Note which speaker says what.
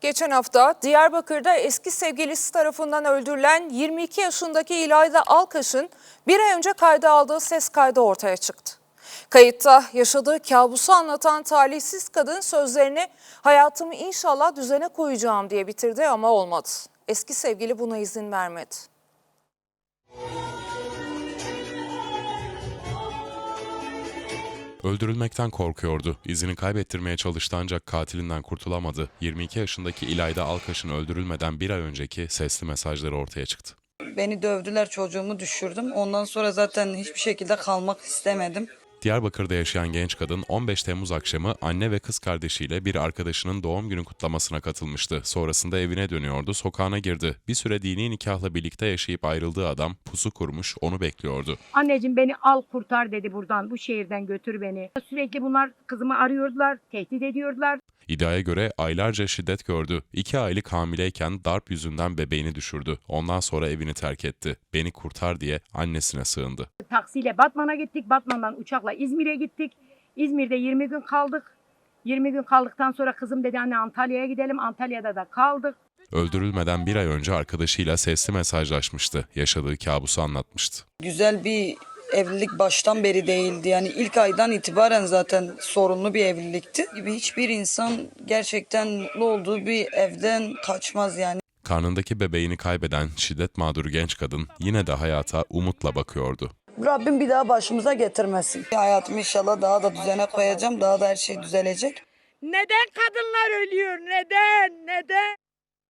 Speaker 1: Geçen hafta Diyarbakır'da eski sevgilisi tarafından öldürülen 22 yaşındaki İlayda Alkaş'ın bir ay önce kayda aldığı ses kaydı ortaya çıktı. Kayıtta yaşadığı kabusu anlatan talihsiz kadın sözlerini "hayatımı inşallah düzene koyacağım" diye bitirdi ama olmadı. Eski sevgili buna izin vermedi.
Speaker 2: Öldürülmekten korkuyordu. İzini kaybettirmeye çalıştı ancak katilinden kurtulamadı. 22 yaşındaki İlayda Alkaş'ın öldürülmeden bir ay önceki sesli mesajları ortaya çıktı.
Speaker 3: Beni dövdüler, çocuğumu düşürdüm. Ondan sonra zaten hiçbir şekilde kalmak istemedim.
Speaker 2: Diyarbakır'da yaşayan genç kadın 15 Temmuz akşamı anne ve kız kardeşiyle bir arkadaşının doğum günü kutlamasına katılmıştı. Sonrasında evine dönüyordu, sokağına girdi. Bir süre dini nikahla birlikte yaşayıp ayrıldığı adam pusu kurmuş, onu bekliyordu.
Speaker 4: Anneciğim beni al kurtar dedi, buradan, bu şehirden götür beni. Sürekli bunlar kızımı arıyordular, tehdit ediyordular.
Speaker 2: İddiaya göre aylarca şiddet gördü. 2 aylık hamileyken darp yüzünden bebeğini düşürdü. Ondan sonra evini terk etti. Beni kurtar diye annesine sığındı.
Speaker 4: Taksiyle Batman'a gittik, Batman'dan uçakla İzmir'e gittik. İzmir'de 20 gün kaldık. 20 gün kaldıktan sonra kızım dedi anne Antalya'ya gidelim, Antalya'da da kaldık.
Speaker 2: Öldürülmeden bir ay önce arkadaşıyla sesli mesajlaşmıştı. Yaşadığı kabusu anlatmıştı.
Speaker 3: Güzel bir evlilik baştan beri değildi. Yani ilk aydan itibaren zaten sorunlu bir evlilikti. Hiçbir insan gerçekten mutlu olduğu bir evden kaçmaz yani.
Speaker 2: Karnındaki bebeğini kaybeden şiddet mağduru genç kadın yine de hayata umutla bakıyordu.
Speaker 3: Rabbim bir daha başımıza getirmesin. Hayatımı inşallah daha da düzene koyacağım. Daha da her şey düzelecek.
Speaker 4: Neden kadınlar ölüyor? Neden?